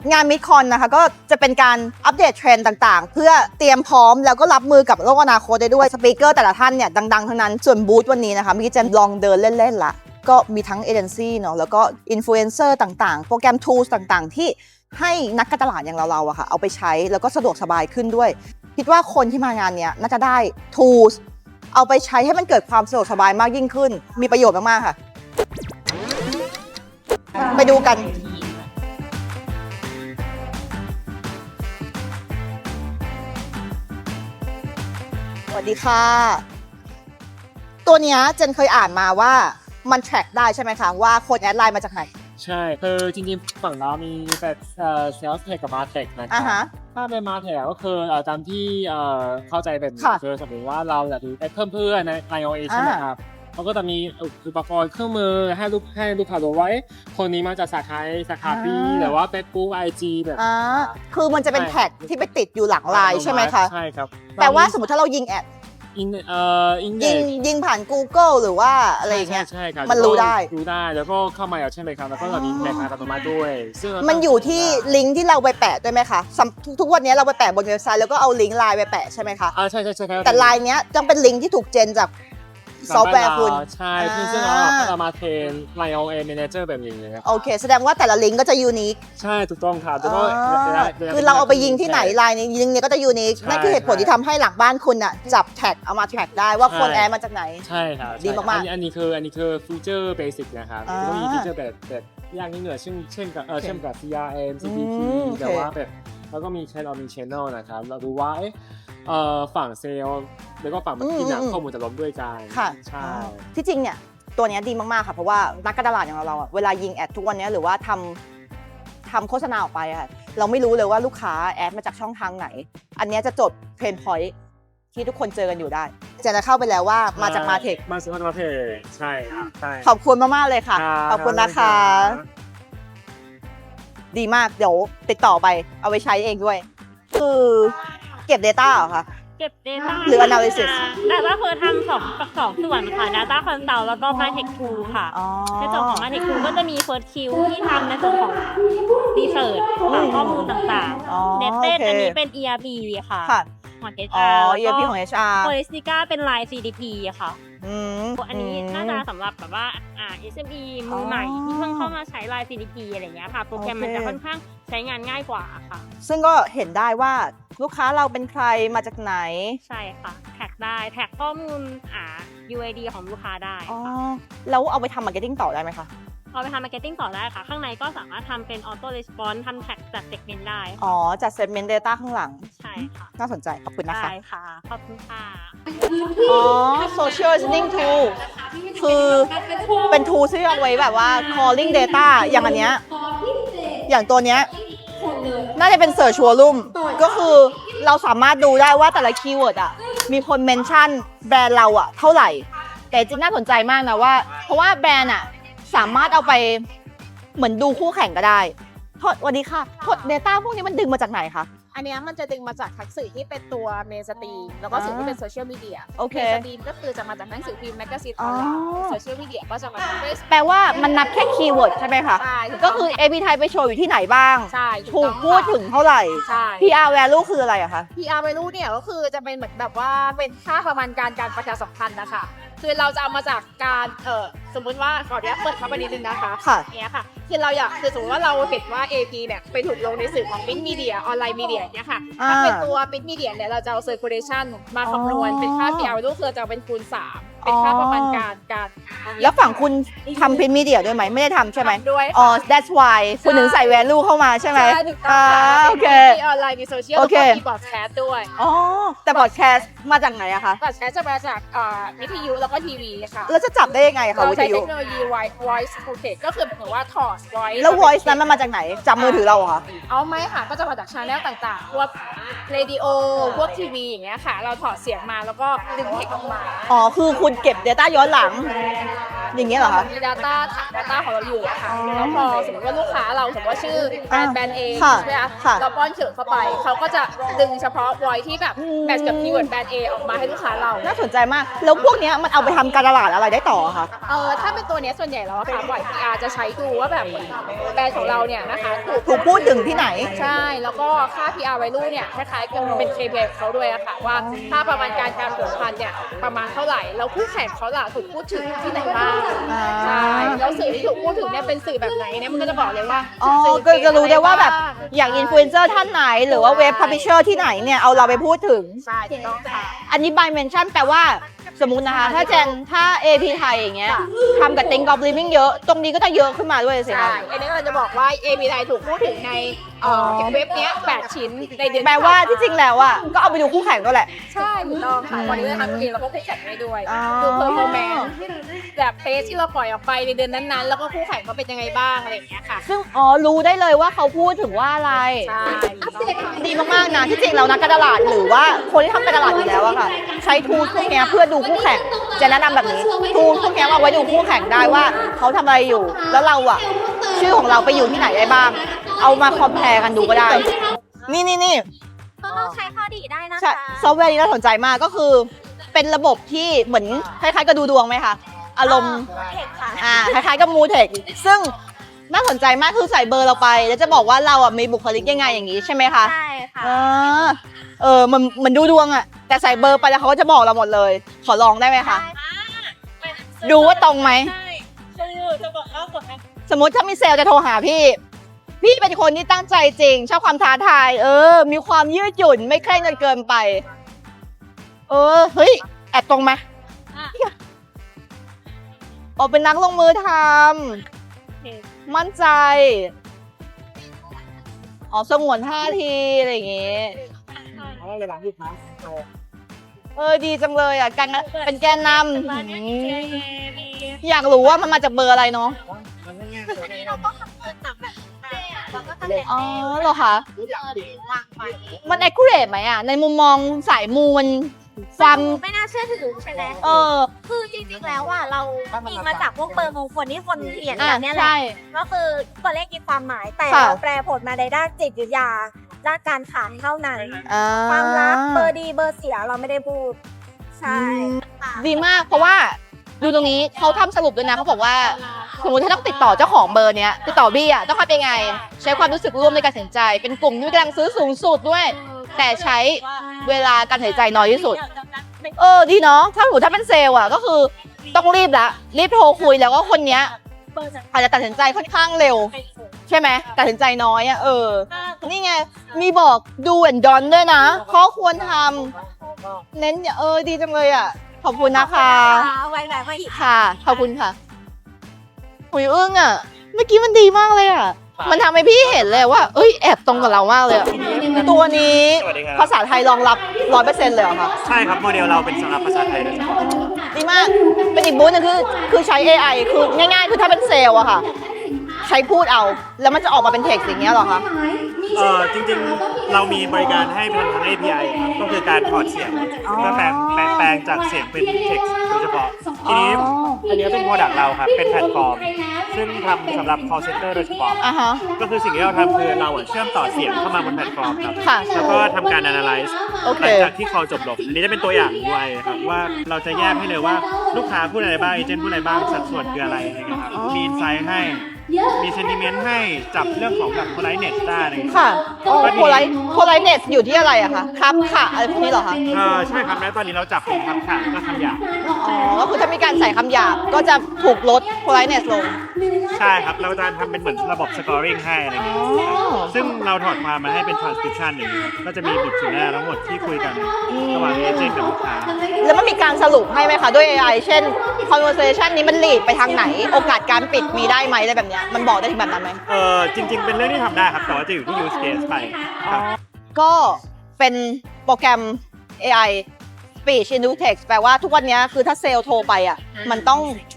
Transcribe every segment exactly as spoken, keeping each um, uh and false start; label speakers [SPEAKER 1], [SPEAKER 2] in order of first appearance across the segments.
[SPEAKER 1] งานมิดคอนนะคะก็จะเป็นการอัปเดตเทรนด์ต่างๆ เพื่อเตรียมพร้อมแล้วก็รับมือกับโลกอนาคตได้ด้วยสปีกเกอร์แต่ละท่านเนี่ยดังๆทั้งนั้นส่วนบูธวันนี้นะคะเมื่อกี้เจนลองเดินเล่นๆละก็มีทั้งเอเจนซี่เนาะแล้วก็อินฟลูเอนเซอร์ต่างๆ โปรแกรม tools ต่างๆ ที่ให้นักการตลาดอย่างเราๆอะค่ะเอาไปใช้แล้วก็สะดวกสบายขึ้นด้วยคิดว่าคนที่มางานเนี้ยน่าจะได้ tools เอาไปใช้ให้มันเกิดความสะดวกสบายมากยิ่งขึ้นมีประโยชน์มากๆค่ะไปดูกันสวัสดีค่ะตัวเนี้ยเจนเคยอ่านมาว่ามัน track ได้ใช่ไหมคะว่าคนแอดไลน์มาจากไหน
[SPEAKER 2] ใช่คือจริงๆฝั่งเรามีแบบเอ่อ sales tech กับ martech นะครั
[SPEAKER 1] อ่าฮะ
[SPEAKER 2] ถ้าเป็น martech ก็คือเอ่อตามที่เอ่อเข้าใจเป็น
[SPEAKER 1] ค่ะ
[SPEAKER 2] คือสมมติว่าเราอยากดูเพิ่มเพื่อนใน iOS ใช่ไหมครับเขาก็จะมีอุปกรณ์เครื่องมือให้ลูกให้ลูกค้าดูไว้คนนี้มาจากสาขาสาขา B หรือว่า Facebook ไอ จี แบบ
[SPEAKER 1] อ่าคือมันจะเป็นแท็กที่ไปติดอยู่หลังไลน์ใช่ไหมคะ
[SPEAKER 2] ใช่ครับ
[SPEAKER 1] แต่ว่าสมมติถ้าเรายิงแอด
[SPEAKER 2] อินเอ่ออินเด็
[SPEAKER 1] ยิง
[SPEAKER 2] กซ์
[SPEAKER 1] ยิงผ่าน Google หรือว่าอะไรอย่างเงี้ย
[SPEAKER 2] ใช่ครับ
[SPEAKER 1] มันรู้ได้
[SPEAKER 2] รู้ได้แล้วก็เข้ามาแล้วใช่ไหมครับแล้วก็เรามีแม็กอัตโนมัติด้วยซึ่ง
[SPEAKER 1] มันอยู่ที่ลิงก์ที่เราไปแปะด้วยไหมคะสำทุกทุกวันนี้เราไปแปะบนเว็บไซต์แล้วก็เอาลิงก์ไลน์ไปแปะใช่ไหมคะ
[SPEAKER 2] อ่าใช่ใช่ใช่ครับ
[SPEAKER 1] แต่ไลน์เนี้ยต้องเป็นลิงก์ที่ถูกเจนจากซอฟต์แวร์คุณ
[SPEAKER 2] ใช่คือซึ่งเราเรามาเทรน iOS Manager แบบนี้เลยครับ
[SPEAKER 1] โอเคแสดงว่าแต่ละลิงก์ก็จะยูนิค
[SPEAKER 2] ใช่ถูกต้องครับแล้วก็
[SPEAKER 1] คือเราเอาไปยิงที่ไหนไลน์นี้ยิงเนี้ยก็จะยูนิคนั่นคือเหตุผลที่ทำให้หลังบ้านคุณอ่ะจับแท็กเอามาแท็กได้ว่าคนแอดมาจากไหน
[SPEAKER 2] ใช่ครับ
[SPEAKER 1] ดีมากๆ
[SPEAKER 2] อันนี้คืออันนี้คือฟีเจอร์เบสิกนะครับ
[SPEAKER 1] อ่า
[SPEAKER 2] ก็มีฟีเจอร์แบบแบบอย่างนี้เหนือเช่นเช่นกับเออเช่นกับ ซี อาร์ เอ็ม ซี พี พี
[SPEAKER 1] อืมโอเค
[SPEAKER 2] แต่ว่าแบบแล้วก็มีแชทออมีชแนลนะครับเราดูว่าเอ๊ะเอ่อฝั่งเซลล์แล้วก็ฝั่งมาร์เก็ตติ้งเนี่ยข้อมูลจะล้มด้วยกัน
[SPEAKER 1] ค่ะ
[SPEAKER 2] ใช่
[SPEAKER 1] ที่จริงเนี่ยตัวเนี้ยดีมากๆค่ะเพราะว่านักการตลาดอย่างเราเราอะเวลายิงแอดทุกวันเนี้ยหรือว่าทำทำโฆษณาออกไปอะเราไม่รู้เลยว่าลูกค้าแอดมาจากช่องทางไหน อันเนี้ยจะจดเพนพอยท์ที่ทุกคนเจอกันอยู่ได้เจะจะเข้าไปแล้วว่ามาจากมาเทค
[SPEAKER 2] มาจากมาเทคใช่ครับใช่
[SPEAKER 1] ขอบคุณมากๆเลยค่ะ
[SPEAKER 2] ครับ
[SPEAKER 1] ขอบคุณนะคะ ดีมากเดี๋ยวติดต่อไปเอาไปใช้เองด้วย คือเก็บ Data เหรอคะ
[SPEAKER 3] เก็บ Data
[SPEAKER 1] หรือ Analysis
[SPEAKER 3] แต่ว่าคือทำสองสองส่วนค่ะ Data Consult แล้วก็ MarTech Tool ค่ะ
[SPEAKER 1] อ๋อ
[SPEAKER 3] ในส่วนของ MarTech Tool ก็จะมี First Q ที่ทำในส่วนของ Research หาข้อมูลต่าง
[SPEAKER 1] อ๋อ
[SPEAKER 3] ๆ Netted
[SPEAKER 1] โอเค
[SPEAKER 3] อันนี้เป็น อี อาร์ พี ค่ะ
[SPEAKER 1] ค่ะ
[SPEAKER 3] ของ
[SPEAKER 1] อ๋อ
[SPEAKER 3] เอช อาร์
[SPEAKER 1] อี อาร์ พี ของ เอช อาร์
[SPEAKER 3] Holistica เป็น Line ซี ดี พี ค่ะ
[SPEAKER 1] อืม
[SPEAKER 3] อันนี้น่าจะสำหรับแบบว่าอ่า เอส เอ็ม อี มือใหม่ที่เพิ่งเข้ามาใช้ Line ซี ดี พี อะไรอย่างเงี้ยค่ะ โปรแกรมมันจะค่อนข้างใช้งานง่ายกว่าค่ะ
[SPEAKER 1] ซึ่งก็เห็นได้ว่าลูกค้าเราเป็นใครมาจากไหน
[SPEAKER 3] ใช่ค่ะ แท็กได้ แท็กข้อมูลอ่า ยู ไอ ดี ของลูกค้าได้
[SPEAKER 1] อ๋อ
[SPEAKER 3] ค่ะ
[SPEAKER 1] แล้วเอาไปทำมาร์เก็ตติ้งต่อได้ไหมคะ
[SPEAKER 3] เอาไปทำมาร์เก็ตติ้งต่อได้ค่ะ ข้างในก็สามารถทำเป็นออโต้รีสปอนส์ทำแท็กจัดเซกเมนต์ได้
[SPEAKER 1] อ๋อ จัด segment data ข้างหลัง
[SPEAKER 3] ใช่ค่ะ
[SPEAKER 1] น่าสนใจ ขอบคุณนะคะ
[SPEAKER 3] ได้ค่ะ ขอบคุณค่ะ
[SPEAKER 1] อ๋อ social listening tool คือเป็น tool ที่เอาไว้แบบว่า calling data อย่างอันเนี้ย อย่างตัวเนี้ย น่าจะเป็น search volume ก็คือเราสามารถดูได้ว่าแต่ละคีย์เวิร์ดอ่ะ มีคนเมนชั่นแบรนด์เราอ่ะเท่าไหร่ แต่จริงน่าสนใจมากนะว่า เพราะว่าแบรนด์อ่ะ สามารถเอาไปเหมือนดูคู่แข่งก็ได้โทษสวัสดีค่ะโทษ data พวกนี้มันดึงมาจากไหนคะ
[SPEAKER 4] อันเนี้ยมันจะดึงมาจากทั้งสื่อที่เป็นตัวเมนสตรีมแล้วก็สื่อที่เป็นโซเชียลมีเดีย
[SPEAKER 1] โอเค
[SPEAKER 4] เมนสตรีมก็คือจะมาจากหนังสือพิมพ์แมกกาซีนออนไลน์
[SPEAKER 1] อ๋อ
[SPEAKER 4] โซเชียลมีเดียก็จะมาจากเฟซ
[SPEAKER 1] แปลว่ามันนับแค่คีย์เวิร์ดใช่ไหมคะ
[SPEAKER 4] ใช่ถู
[SPEAKER 1] ก็
[SPEAKER 4] ต้ง
[SPEAKER 1] คือ เอ พี ไทยไปโชว์อยู่ที่ไหนบ้าง
[SPEAKER 4] ใช่
[SPEAKER 1] ถูก
[SPEAKER 4] ต้อง
[SPEAKER 1] พูดถึงเท่าไหร่
[SPEAKER 4] ใช่
[SPEAKER 1] พี อาร์ value คืออะไรอะคะ
[SPEAKER 4] พี อาร์ value เนี่ยก็คือจะเป็นเหมือนแบบว่าเป็นค่าประมาณการการประชาสัมพันธ์นะคะคือเราจะเอามาจากการเออสมมุติว่าขออนุญาตเปิดเข้าไปนิดนึงนะคะ
[SPEAKER 1] ค่ะ
[SPEAKER 4] เนี้ยค่ะคือเราอยากคือสมมติว่าเราเห็นว่า เอ พี เนี่ยไปถูกลงในสื่อของ Print Media ออนไลน์มีเดียเนี่ยค่ะ
[SPEAKER 1] อ่า
[SPEAKER 4] ถ้าเป็นตัว Print Media เนี่ยเราจะเอา circulation มาคำนวณ
[SPEAKER 1] อ๋อ
[SPEAKER 4] เป็นค่า พี อาร์ value คือจะเอาเป็นคูณสามเป็นค่าประมาณการการ
[SPEAKER 1] แล้วฝั่งคุณทำพิมพ์มีเดียด้วยไหม ไม่ได้ทำใช่ไหม
[SPEAKER 4] ทำด้วย
[SPEAKER 1] อ๋อ that's why คุณถึงใส่ value เข้ามาใช่ไหม
[SPEAKER 4] ใช่ถูกต้องค่ะ
[SPEAKER 1] อ่าโอเค
[SPEAKER 4] มีออนไลน์มีโซเชียล
[SPEAKER 1] โอ
[SPEAKER 4] แล้ว
[SPEAKER 1] เค
[SPEAKER 4] ก็มีบอดแคสต์ด้วย
[SPEAKER 1] อ๋อ แต่บอดแคสต์มาจากไหนอะคะ
[SPEAKER 4] บอดแคสต์จะมาจากอ่าวิทยุแล้วก็ทีวีค่ะ
[SPEAKER 1] แล้วจะจับได้ยังไงอะคะ
[SPEAKER 4] เรา
[SPEAKER 1] วิท
[SPEAKER 4] ใช้
[SPEAKER 1] ยุ
[SPEAKER 4] เทคโนโลยี voice protect ก็คือเหมือนว่าถอด voice
[SPEAKER 1] แล้ว voice นั้นมันมาจากไหนจับมือถือเราเหรอคะ
[SPEAKER 4] เอาไหมค่ะก็จะมาจากชาแนลต่างๆ พวกเรดิโอพวกทีวีอย่างเงี้ยค่ะ เราถอดเสียงมาแล้วก็ดึงเทคออกมา
[SPEAKER 1] อ๋อ คือคุณเก็บ data ย้อนหลังอย่างเงี้ยเหรอคะ
[SPEAKER 4] มี Data ฐาน Data ของเราอยู่อะค่ะแล้วพอสมมติว่าลูกค้าเราสมมติว่าชื่อแบรนด์แบรนด์เอ
[SPEAKER 1] ค่ะ
[SPEAKER 4] ใช่ไหมคะ
[SPEAKER 1] ค่ะ
[SPEAKER 4] เราป้อนเฉิดเข้าไปเขาก็จะดึงเฉพาะ voice ที่แบบแมทช์กับคีย์เวิร์ดแบรนด์เอออกมาให้ลูกค้าเรา
[SPEAKER 1] น่าสนใจมาก แล้วพวกเนี้ยมันเอาไปทำการตลาดอะไรได้ต่อคะ
[SPEAKER 4] เออถ้าเป็นตัวเนี้ยส่วนใหญ่แล้วอะค่ะบ่อย พี อาร์ จะใช้ดูว่าแบบแบรนด์ของเราเนี่ยนะคะถูก
[SPEAKER 1] ถูกพูดถึงที่ไหน
[SPEAKER 4] ใช่ แล้วก็ค่า พี อาร์ value เนี่ยคล้ายๆกับเป็น เค พี ไอ ของเขาด้วยอะค่ะว่าถ้าประมาณการการผลพันธุ์เนี่ยประมาณเท่าไหร่ แล้วคู่แข่งเขาล่ะถูกพูดถึงที่ไหนบ้าง
[SPEAKER 1] อ่า
[SPEAKER 4] ใช่ แล้วสื่อที่ถูกพูดถึงเนี่ยเป็นสื่อแบบไหนเนี่ยมันก็จะบอกเลยว่า
[SPEAKER 1] อ๋อ
[SPEAKER 4] สื่อ
[SPEAKER 1] ก็จะรู้ได้ว่าแบบ
[SPEAKER 4] อะไรบ้ง
[SPEAKER 1] อย่างอินฟลูเอนเซอร์ท่านไหน หรือว่าเว็บพับลิเชอร์ที่ไหนเนี่ยเอาเราไปพูดถึง
[SPEAKER 4] ใช่ถูกต้องค่ะ
[SPEAKER 1] อันนี้ by mention แปลว่าสมมุตินะคะ ถ้าเจนถ้า เอ พี ไทยอย่างเงี้ยทำกับ Think of Living เยอะ ตรงนี้ก็จะเยอะขึ้นมาด้วยสิ
[SPEAKER 4] ใช่
[SPEAKER 1] คะ
[SPEAKER 4] อันนี้เราจะบอกว่า เอ พี ไทยถูกพูดถึงในเอ่อเว็บเนี้ยแปดชิ้นในเดือน
[SPEAKER 1] แปลว่าที่จริงแล้วอ่ะก็เอาไปดูคู่แข่งก็แหละ
[SPEAKER 4] ใช่ถูกต้องค่ะวันนี้เราทำเองแล้วก็คู่แข่งให้ด้วย
[SPEAKER 1] อ๋อ
[SPEAKER 4] ดู performance แบบเพจที่เราปล่อยออกไปในเดือนนั้นๆ แล้วก็คู่แข่งเขาเป็นยังไงบ้างอะไรอย่างเงี้ยค่ะ
[SPEAKER 1] ซึ่งอ๋อรู้ได้เลยว่าเขาพูดถึงว่าอะไร
[SPEAKER 4] ใช่
[SPEAKER 1] ดีมากๆนะที่จริงแล้วนักการตลาดหรือว่าคนที่ทำการตลาดอยู่แล้วอะค่ะ ใช้ทูลพวกเนี้ยเพื่อดูคู่แข่งจะแนะนำแบบนี้ทูลพวกเนี้ยเอาไว้ดูคู่แข่งได้ว่าเขาทำอะไรอยู่ แล้วเราอะชื่อของเราไปอยู่ที่ไหนได้บ้าง เอามาคอมเพลกันดูก็ได้ นี่นี่นี่
[SPEAKER 5] ก็ต้องใช้ข้อดีได้นะ
[SPEAKER 1] ใช่
[SPEAKER 5] คะ
[SPEAKER 1] ซอฟต์แวร์นี้น่าสนใจมากก็คือเป็นระบบที่เหมือนคล้ายๆกับดูดวงไหมคะอารมณ์
[SPEAKER 5] เทคค่ะ
[SPEAKER 1] อ่าคล้ายๆกับมูเทคซึ่งน่าสนใจมากคือใส่เบอร์เราไป แล้วจะบอกว่าเราอ่ะมีบุคลิกยังไงอย่างนี้ใช่ไหมคะ
[SPEAKER 5] ใช่ค่ะ
[SPEAKER 1] อ่าเออมันเหมือนดูดวงอ่ะแต่ใส่เบอร์ไปแล้วเขาก็จะบอกเราหมดเลย ขอลองได้ไหมคะดูว่าตรงไหม
[SPEAKER 3] ใช่คือจะบอกว่ากด
[SPEAKER 1] สมมติถ้ามีเซลล์จะโทรหาพี่ พี่เป็นคนที่ตั้งใจจริง ชอบความท้าทาย เออ มีความยืดหยุ่นไม่เคร่งจนเกินไป เออเฮ้ยแอบตรงไหมอ๋อเป็นนักลงมือทำมั่นใจ อ๋อสงวนท่าทีอะไรอย่างงี้
[SPEAKER 2] เอาเลยหลังหยุดนะ
[SPEAKER 1] เออดีจังเลยอ่ะการเป็นแกนนำอืมอยากรู้ว่ามันมาจากเบอร์อะไรเนาะ
[SPEAKER 2] มันง่าย
[SPEAKER 5] เราก็คำนวณจากแบบแล้วก็คะแนน
[SPEAKER 1] อ๋อเหรอคะ
[SPEAKER 5] วางไป
[SPEAKER 1] มัน accurate ไหมอ่ะ ในมุมมองสายมูมันความ
[SPEAKER 5] ไม่น่าเชื่อถือใช่ไหม
[SPEAKER 1] เออ
[SPEAKER 5] คือจริงๆแล้วอ่ะเราอิงมาจากพวกเบอร์มงคลที่คนเขียน
[SPEAKER 1] อ่ะ
[SPEAKER 5] กันเนี่ยแหละ
[SPEAKER 1] ใช่
[SPEAKER 5] ก็คือตัวเลขมีความหมายแต่
[SPEAKER 1] ค่ะ
[SPEAKER 5] เราแปลผลมาในด้านจิตวิทยาด้านการขายเท่านั้น
[SPEAKER 1] อ่า
[SPEAKER 5] ความรักเบอร์ดีเบอร์เสียเราไม่ได้พูด ใช่ค่ะ
[SPEAKER 1] ดีมากเพราะว่าดูตรงนี้เขาทำสรุปด้วยนะเขาบอกว่า สมมติถ้าต้องติดต่อเจ้าของเบอร์เนี้ยติดต่อบี้อ่ะต้องทำยังไง ใช้ความรู้สึกร่วมในการตัดสินใจ เป็นกลุ่มที่กำลังซื้อสูงสุดด้วย แต่ใช้เวลาการตัดสินใจน้อยที่สุด เออดีเนาะถ้าสมมติถ้าเป็นเซลล์อ่ะก็คือต้องรีบละรีบโทรคุยแล้วก็คนเนี้ยอาจจะตัดสินใจค่อนข้างเร็ว ใช่ไหมตัดสินใจน้อยอ่ะเออ นี่ไงมีบอกดูแอนดอนด้วยนะข้อควรทำเน้นเออดีจังเลยอ่ะ ขอบคุณนะคะ
[SPEAKER 5] ไว้แบบว่าอีก
[SPEAKER 1] ค่ะ ขอบคุณค่ะหุยอึ้งอ่ะ เมื่อกี้มันดีมากเลยอ่ะ มันทำให้พี่เห็นเลยว่า เอ้ย แอบตรงกับเรามากเลยอะตัวนี้
[SPEAKER 6] สวัสดีครับ
[SPEAKER 1] ภาษาไทยรองรับร้อยเปอร์เซ็นต์เลยเหรอคะ
[SPEAKER 6] ใช่ครับ โมเดลเราเป็นสำหรับภาษาไทยโดยเฉพาะ
[SPEAKER 1] ดีมาก เป็นอีกบูธหนึงคือ คือใช้ เอ ไอ คือง่ายๆ คือถ้าเป็นเซลล์อะค่ะ ใช้พูดเอา แล้วมันจะออกมาเป็นเท็กซ์อย่างเงี้ยเหรอคะ
[SPEAKER 6] เอ่อจริงๆ เรามีบริการให้ผ่านทาง เอ พี ไอ ครับก็คือการถอดเสียงเพื่อแปลงแปลงแปลงจากเสียงเป็นเท็กซ์โดยเฉพาะ ทีนี้อันนี้เป็นโปรดักต์เราครับ เป็นแพลตฟอร์ม ซึ่งทำสำหรับ call center โดยเฉพาะ
[SPEAKER 1] อ่ะฮะ
[SPEAKER 6] ก็คือสิ่งที่เราทำคือเราอะเชื่อมต่อเสียงเข้ามาบนแพลตฟอร์มครับ
[SPEAKER 1] ค่ะ
[SPEAKER 6] แล้วก็ทำการ analyze
[SPEAKER 1] โอเค
[SPEAKER 6] หลังจากที่ call จบลงอันนี้จะเป็นตัวอย่าง ยู ไอ นะครับว่าเราจะแยกให้เลยว่าลูกค้าพูดอะไรบ้างเอเจนต์พูดอะไรบ้างสัดส่วนคืออะไรอะไรเงี้ยครับมี insight ให้ มี sentiment ให้จับเรื่องของแบบ politeness ได้อะไรเงี้ย
[SPEAKER 1] ค่ะโอ้โพลไลโพลไลเนสอยู่ที่อะไรอะคะครับค่ะ อะไรพวกนี้เหรอคะ
[SPEAKER 6] เออใช่ครับแล้วตอนนี้เราจับเป็นคำขาดก็คำหยาบ
[SPEAKER 1] อ๋อ ก็คือถ้ามีการใส่คำหยาบก็จะถูกลดโพลไลเนสลง
[SPEAKER 6] ใช่ครับ เราจะทำเป็นเหมือนระบบ scoring ให้อะไรเงี้ย
[SPEAKER 1] อ๋อ
[SPEAKER 6] ซึ่งเราถอดความมาให้เป็น transcription อย่างนี้ครับก็จะมีบทสนทนาทั้งหมดที่คุยกันระหว่างเอเจนต์กับลูกค้า
[SPEAKER 1] แล้วมันมีการสรุปให้ไหมคะ ด้วย เอ ไอ เช่น conversation นี้มัน lead ไปทางไหน โอกาสการปิดมีได้ไหมอะไรแบบเนี้ยมันบอกได้ถึงแบบนั้นไหม
[SPEAKER 6] เออจริง ๆ เป็นเรื่องที่ทำได้ครับแต่ว่าจะอยู่ที่ use case ไปครับ
[SPEAKER 1] ก็เป็นโปรแกรม เอ ไอ speech into text แปลว่าทุกวันนี้คือถ้าเซลล์โทรไปอ่ะ มันต้อง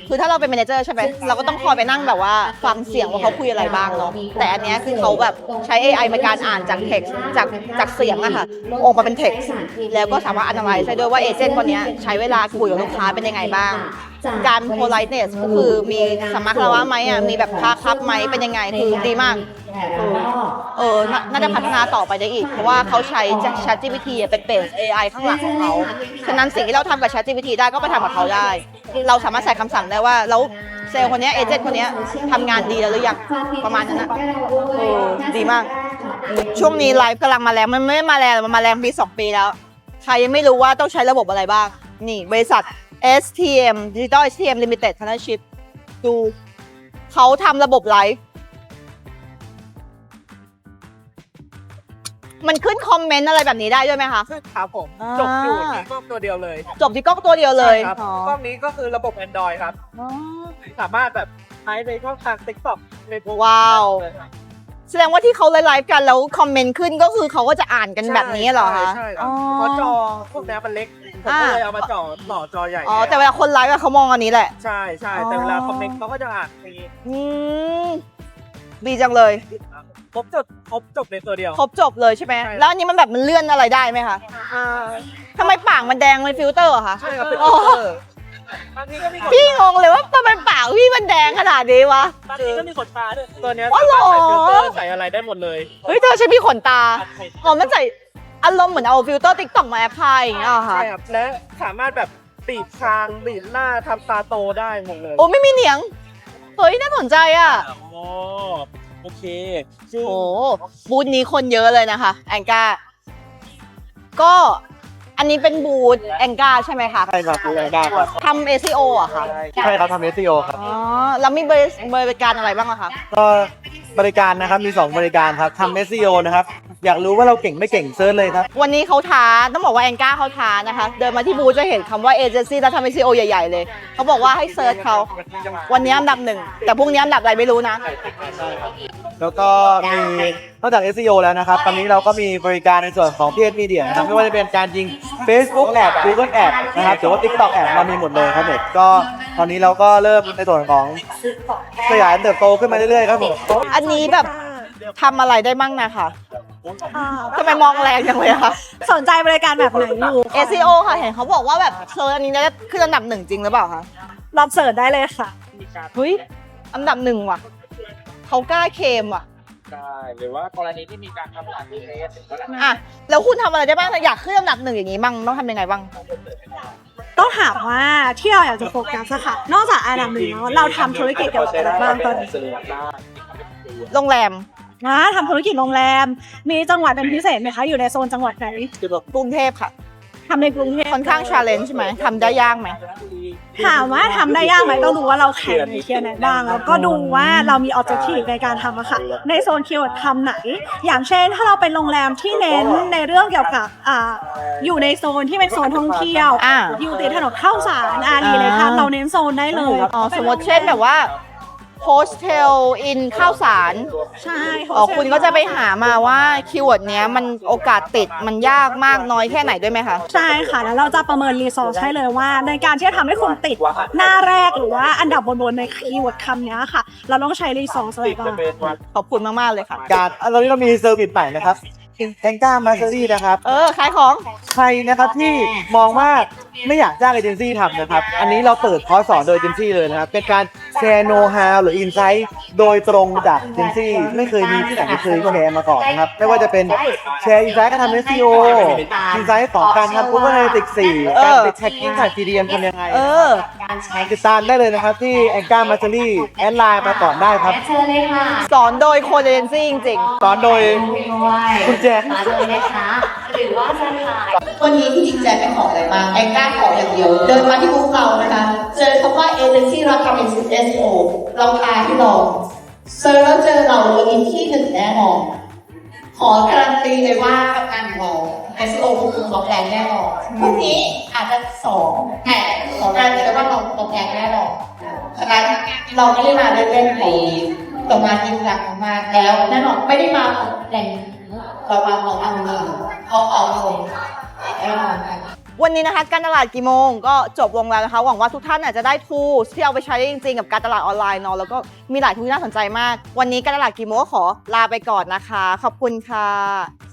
[SPEAKER 1] คือถ้าเราเป็นแมเนเจอร์ใช่ไหมเราก็ต้องคอยไปนั่งแบบว่าฟังเสียงว่าเขาคุยอะไรบ้างเนาะแต่อันเนี้ยคือเขาแบบใช้ เอ ไอ ในการอ่านจาก text จากจากเสียงอะค่ะออกมาเป็น text แล้วก็สามารถ analyze ได้ด้วยว่าเอเจนต์คนเนี้ยใช้เวลาคุยกับลูกค้าเป็นยังไงบ้างการ politeness ก็คือมีสัมมาคารวะไหมอ่ะมีแบบค่าครับไหมเป็นยังไงคือดีมากเออเออน่าน่าจะพัฒนาต่อไปได้อีกเพราะว่าเขาใช้ ChatGPT เป็นเบส เอ ไอ ข้างหลังของเขาฉะนั้นสิ่งที่เราทำกับ ChatGPT ได้ก็ไปทำกับเขาได้เราสามารถใส่คำสั่งได้ว่าแล้วเซลล์คนเนี้ยเอเจนต์คนเนี้ยทำงานดีแล้วหรือยังประมาณนั้นนะเออดีมากช่วงนี้ไลฟ์กำลังมาแรงมันไม่มาแรงมันมาแรงปีสองปีแล้วใครยังไม่รู้ว่าต้องใช้ระบบอะไรบ้างนี่บริษัท เอส ที เอ็ม Digital เอส ที เอ็ม Limited Partnership ดูเขาทำระบบไลฟ์มันขึ้นคอมเมนต์อะไรแบบนี้ได้ด้วยไหมคะ
[SPEAKER 7] ครับผม
[SPEAKER 1] อ่า
[SPEAKER 7] จบอยู่ที่กล้องตัวเดียวเลย
[SPEAKER 1] จบที่กล้องตัวเดียวเลย
[SPEAKER 7] ใช่ครับ
[SPEAKER 1] อ๋อก
[SPEAKER 7] ล้องนี้ก็คือระบบ Android ครับ
[SPEAKER 1] อ๋อ
[SPEAKER 7] สามารถแบบใช้ในช่องทาง TikTok ในพวก
[SPEAKER 1] ว้าว แสดงว่าที่เขาไลฟ์กันแล้วคอมเมนต์ขึ้นก็คือเขาก็จะอ่านกันแบบนี้เหรอคะ
[SPEAKER 7] ใช่ครั
[SPEAKER 1] อ๋
[SPEAKER 7] บ
[SPEAKER 1] อ
[SPEAKER 7] เพราะจอพวกนี้มันเล็กผมก็เลยเอามาจ่อต่อจอใหญ่
[SPEAKER 1] อ๋อแต่เวลาคนไลฟ์อะเขามองอันนี้แหละ
[SPEAKER 7] ใช่ใช่แต่เวลาคอมเมนต์เขาก็จะอ่านอย่างนี้
[SPEAKER 1] อืมดีจังเลย
[SPEAKER 7] ครบจบครบจบในตัวเดียว
[SPEAKER 1] ครบจบเลยใช่ไหม
[SPEAKER 7] ใช่
[SPEAKER 1] แล้วอันนี้มันแบบมันเลื่อนอะไรได้ไหมคะ
[SPEAKER 7] อ่า
[SPEAKER 1] ทำไมปากมันแดงเป็นฟิลเตอร์เหรอคะ
[SPEAKER 7] ใช่ครับเป็น
[SPEAKER 1] อ๋อ
[SPEAKER 7] ฟิลเตอร์บางทีก็มี
[SPEAKER 1] พี่งงเลยว่าทำไมปากพี่มันแดงขนาดนี้วะ
[SPEAKER 7] บางทีก็มีขนตาด้วยตัวเนี้ย
[SPEAKER 1] อ๋อเหรอ
[SPEAKER 7] ใส่ฟิลเตอร์ใส่อะไรได้หมดเลย
[SPEAKER 1] เฮ้ยเธอใช้พี่ขนตา อ๋อมันใส่อารมณ์เหมือนเอาฟิลเตอร์ติ๊กต็อกมาแอปพลายอย่างเงี้ยเหรอคะ
[SPEAKER 7] ใช่ครับและสามารถแบบบีบคางบีบหน้าทำตาโตได้หมดเลย
[SPEAKER 1] โอ้ไม่มีเหนียง เฮ้ยน่าสนใจอ่ะ
[SPEAKER 7] โอ้โอเคซึ่ง
[SPEAKER 1] โอ้บูธนี้คนเยอะเลยนะคะแองกาก็อันนี้เป็นบูธแองกาใช่ไหมคะ
[SPEAKER 6] ใช่ครับดูแลได้ครับ
[SPEAKER 1] ทำ เอ ซี โอ อะค่ะ
[SPEAKER 6] ใช่ครับทำ เอส อี โอ ครับ
[SPEAKER 1] อ๋อแล้วมีบริบริการอะไรบ้างอะคะ
[SPEAKER 6] ก็บริการนะครับมีสองบริการครับทำ เอส อี โอ นะครับอยากรู้ว่าเราเก่งไม่เก่งเซิร์ชเลยครับ
[SPEAKER 1] วันนี้เขาท้าต้องบอกว่าแองกาเขาท้านะคะ เดินมาที่บูธจะเห็นคำว่าเอเจนซี่แล้วทำ เอ ซี โอ ใหญ่ๆเลย เขาบอกว่าให้เซิร์ชเขาวันนี้อันดับหนึ่งแต่พรุ่งนี้อันดับอะไรไม่รู้นะ
[SPEAKER 6] แล้วก็มีนอกจาก เอส อี โอ แล้วนะครับ ตอนนี้เราก็มีบริการในส่วนของ พี เอส Media นะครับไม่ว่าจะเป็นการยิง Facebook Ad Google Ad นะครับหรือว่า TikTok Ad เรามีหมดเลยครับเด็กก็ตอนนี้เราก็เริ่มในส่วนของขยายเติบโตขึ้นมาเรื่อยๆครับผม
[SPEAKER 1] อันนี้แบบทำอะไรได้บ้างนะคะทำไมมองแรงจังเลยอะคะ
[SPEAKER 5] สนใจบริการแบบไหนอยู่
[SPEAKER 1] เอ ซี โอ ค่ะเห็นเขาบอกว่าแบบเซิร์ชอันนี้ได้ขึ้นอันดับหนึ่งจริงหรือเปล่าคะ
[SPEAKER 5] ลองเสิร์ชได้เลยค่ะ
[SPEAKER 1] เฮ้ยอันดับหนึ่งว่ะเขากล้าเคลมว่ะ
[SPEAKER 2] ได้หรือว่ากรณีที่มีการทำหลักเทส
[SPEAKER 1] อ่ะแล้วคุณทำอะไรได้บ้างอยากขึ้นอันดับหนึ่งอย่างนี้บ้างต้องทำยังไงบ้าง
[SPEAKER 5] ต้องถามว่าที่เราอยากจะโฟกัสอะค่ะ นอกจากอันดับหนึ่งแล้วเราทำธุรกิจเกี่ยวกับอะไรบ้างตอนนี้
[SPEAKER 1] โรงแรม
[SPEAKER 5] นะทำธุรกิจโรงแรม มีจังหวัดเป็นพิเศษไหมคะ อยู่ในโซนจังหวัดไหน
[SPEAKER 1] กรุงเทพค่ะ
[SPEAKER 5] ทำในกรุงเทพ
[SPEAKER 1] ค่อนข้างชาเลนจ์ใช่ไหมทำได้ยากไหม
[SPEAKER 5] ถามว่าทำได้ยากไหมต้องดูว่าเราแข่งในเคียวไหนบ้าง แล้วก็ดูว่าเรามีออบเจกตีฟในการทำอะค่ะ ในโซนคีย์เวิร์ดคำไหน อย่างเช่น ถ้าเราเป็นโรงแรมที่เน้นในเรื่องเกี่ยวกับอ่าอยู่ในโซนที่เป็นโซนท่องเที่ยว
[SPEAKER 1] อ่า
[SPEAKER 5] อยู่ติดถนนเข้าสารอารีเลยค่ะ เราเน้นโซนได้เลย
[SPEAKER 1] อ๋อสมมติเช่นแบบว่าโฮสเทลอินข้าวสาร
[SPEAKER 5] ใช่
[SPEAKER 1] อ๋อคุณก็จะไปหามาว่าคีย์เวิร์ดเนี้ยมันโอกาสติดมันยากมากน้อยแค่ไหนด้วยไหมคะ
[SPEAKER 5] ใช่ค่ะ แล้วเราจะประเมินรีซอสให้เลยว่า ในการที่จะทำให้คุณติดหน้าแรกหรือว่าอันดับบนๆในคีย์เวิร์ดคำนี้ค่ะ เราต้องใช้รีซอสอะไรบ้าง
[SPEAKER 1] ขอบคุณมาก ๆ เลยค่ะ
[SPEAKER 6] การตอนนี้เรามีเซอร์วิสใหม่นะครับแองก้ามาสเตอรี่นะครับ
[SPEAKER 1] เออ ขายของ
[SPEAKER 6] ใครนะครับที่มองว่าไม่อยากจ้างเอเจนซี่ทำนะครับ อันนี้เราเปิดคอร์สสอนโดยเอเจนซี่เลยนะครับ เป็นการแชร์โน้ตฮาวหรืออินไซต์โดยตรงจากเอเจนซี่ไม่เคยมีที่ไหนเคยแชร์มาก่อนนะครับ ไม่ว่าจะเป็นแชร์อินไซต์การทำ เอส อี โอ อินไซต์ของการทำ Google Analytics สี่การติดแท็กกิ้งถ่าย ซี ดี เอ็ม ทำยังไง
[SPEAKER 1] เออ
[SPEAKER 6] ติดตามได้เลยนะครับที่แองก้ามาสเตอรี่แอดไลน์มาก่อนได้ครับ
[SPEAKER 1] สอนโดยโคเดนซี่จริง
[SPEAKER 6] สอนโดยคุณแจ็ค
[SPEAKER 1] วันนี้ที่จริงใจไม่ขออะไรมาแองก้าขออย่างเดียว เดินมาที่บูธเรานะคะ เจอคำว่าเอเจนซี่เราทำ เอส อี โอ เราพาที่ลองเซิร์ชแล้วเจอเราวันนี้ที่หนึ่งแน่นอนขอการันตีเลยว่ากับการของเรา เอส อี โอ คือตอบแรงแน่นอนพรุ่งนี้อาจจะสองแต่ขอการันตีเลยว่าเราตอบแรงแน่นอนฉะนั้นเราไม่ได้มาเล่นๆในต่อมาจริงจังมาแล้วแน่นอนไม่ได้มาแรงเรามาเอาเอาเงินเอาเอาเงินแน่นอนค่ะวันนี้นะคะการตลาดกี่โมงก็จบลงแล้วนะคะหวังว่าทุกท่านอาจจะได้ tools ที่เอาไปใช้ได้จริงๆกับการตลาดออนไลน์เนาะแล้วก็มีหลายทุนที่น่าสนใจมากวันนี้การตลาดกี่โมงก็ขอลาไปก่อนนะคะขอบคุณค่ะ